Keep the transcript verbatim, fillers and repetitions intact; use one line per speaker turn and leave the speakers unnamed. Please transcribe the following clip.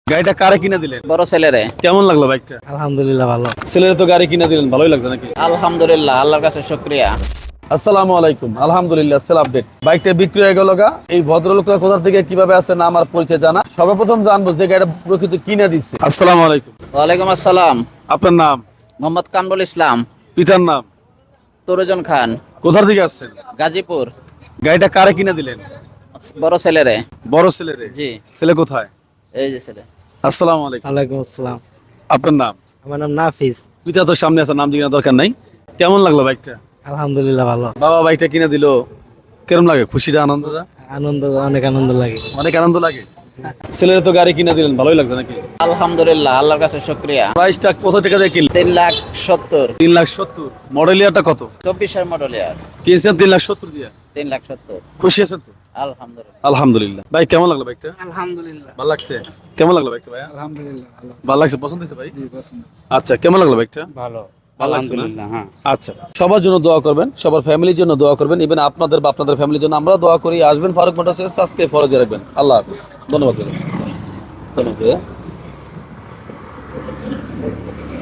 গাড়িটা কারে কিনে দিলেন?
বড় ছেলেরে।
কেমন লাগলো বাইকটা?
আলহামদুলিল্লাহ ভালো।
ছেলের তো গাড়ি কিনে দিলেন, ভালোই লাগছে নাকি?
আলহামদুলিল্লাহ, আল্লাহর কাছে শুকরিয়া।
আসসালামু আলাইকুম। আলহামদুলিল্লাহ, সেল আপডেট। বাইকটা বিক্রি হয়ে গেল গা। এই ভদ্রলোকরা কোথা থেকে কিভাবে আসে না আমার পরিচয় জানা। সর্বপ্রথম জানবো যে গাড়িটা প্রকৃত কিনে দিচ্ছে। আসসালামু আলাইকুম।
ওয়ালাইকুম আসসালাম।
আপনার নাম?
মোহাম্মদ কামরুল ইসলাম।
পিতার নাম?
তরুজন খান।
কোথা থেকে আসছেন?
গাজীপুর।
গাড়িটা কারে কিনে দিলেন?
বড় ছেলেরে।
বড় ছেলেরে?
জি।
ছেলে কোথায়?
এই যে ছেলে।
আসসালামু আলাইকুম।
ওয়ালাইকুম আসসালাম।
আপনার নাম?
আমার নাম নাফিস।
পিতা তো সামনে আছে, নাম জিজ্ঞাসা দরকার নাই। কেমন লাগলো বাইকটা?
আলহামদুলিল্লাহ ভালো।
বাবা বাইকটা কিনে দিল, কেমন লাগে? খুশিটা, আনন্দটা?
আনন্দ, অনেক আনন্দ লাগে।
অনেক আনন্দ লাগে। ছেলের তো গাড়ি কিনে দিলেন, ভালোই লাগছে নাকি?
আলহামদুলিল্লাহ, আল্লাহর কাছে শুকরিয়া।
প্রাইসটা কত টাকা দিয়ে কিনলেন?
তিন লাখ সত্তর।
তিন লাখ সত্তর। মডেল ইয়ারটা কত?
চব্বিশের মডেল ইয়ার।
কিনছেন তিন লাখ সত্তর দিয়ে?
তিন লাখ সত্তর।
খুশি আছেন তো?
আলহামদুলিল্লাহ।
আলহামদুলিল্লাহ। ভাই কেমন লাগলো বাইকটা?
আলহামদুলিল্লাহ।
ভালো লাগছে? কেমন লাগলো বাইকটা ভাই?
আলহামদুলিল্লাহ ভালো।
ভালো লাগছে, পছন্দ হয়েছে ভাই? আচ্ছা, কেমন লাগলো বাইকটা?
ভালো।
ভালো লাগছে না? আচ্ছা, সবার জন্য দোয়া করবেন, সবার ফ্যামিলির জন্য দোয়া করবেন, ইভেন আপনাদের বা আপনাদের ফ্যামিলির জন্য আমরা দোয়া করি। আসবেন ফারুক মোটরসে, সাবস্ক্রাইব ফলো দিয়ে রাখবেন। আল্লাহ হাফেজ, ধন্যবাদ। ধন্যবাদ।